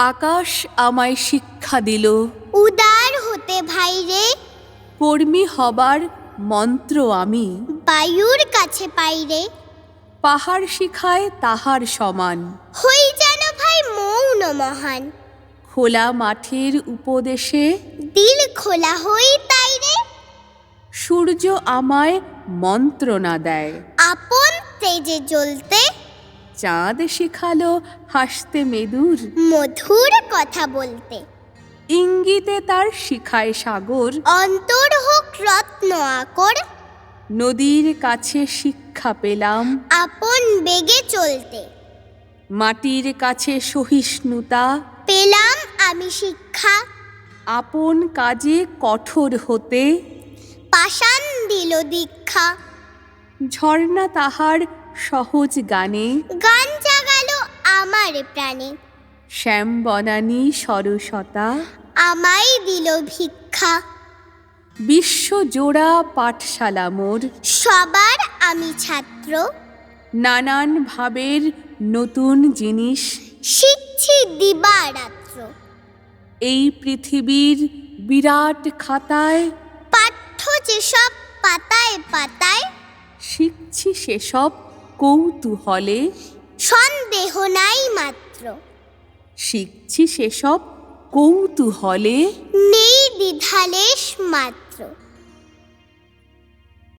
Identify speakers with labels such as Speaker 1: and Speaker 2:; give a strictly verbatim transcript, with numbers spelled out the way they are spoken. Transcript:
Speaker 1: আকাশ আমায় শিক্ষা দিল,
Speaker 2: উদার হতে ভাইরে।
Speaker 1: কর্মী হবার মন্ত্র আমি,
Speaker 2: বায়ুর কাছে পাইরে।
Speaker 1: পাহাড় শিখায় তাহার সমান,
Speaker 2: হই যেন ভাই মৌন মহান।
Speaker 1: খোলা মাঠের উপদেশে
Speaker 2: দিল খোলা হই তাইরে।
Speaker 1: সূর্য আমায় মন্ত্রণা দেয়,
Speaker 2: আপন তেজে জ্বলতে।
Speaker 1: চাঁদ শিখালো হাসতে মেদুর,
Speaker 2: মধুর কথা বলতে।
Speaker 1: ইঙ্গিতে তার শিখায় সাগর,
Speaker 2: অন্তর হোক রত্ন আকর।
Speaker 1: নদীর কাছে শিক্ষা পেলাম,
Speaker 2: আপন বেগে চলতে।
Speaker 1: মাটির কাছে সহিষ্ণুতা,
Speaker 2: পেলাম আমি শিক্ষা।
Speaker 1: আপন কাজে কঠোর হতে।
Speaker 2: পাষাণ দিল দীক্ষা।
Speaker 1: ঝর্ণা তাহার সহজ গানে,
Speaker 2: গান জাগালো আমার প্রাণে।
Speaker 1: শ্যাম বনানী সরসতা,
Speaker 2: আমায় দিল ভিক্ষা।
Speaker 1: বিশ্বজোড়া পাঠশালা মোর,
Speaker 2: সবার আমি ছাত্র।
Speaker 1: নানান ভাবের নতুন জিনিস,
Speaker 2: শিখছি দিবারাত্র।
Speaker 1: এই পৃথিবীর বিরাট খাতায়
Speaker 2: পাঠ্য যেসব পাতায় পাতায়।
Speaker 1: শিখছি সেসব কৌতূহলে,
Speaker 2: সন্দেহ নাই মাত্র।
Speaker 1: শিখছি সেসব কৌতূহলে।
Speaker 2: নেই দ্বিধালেশ মাত্র।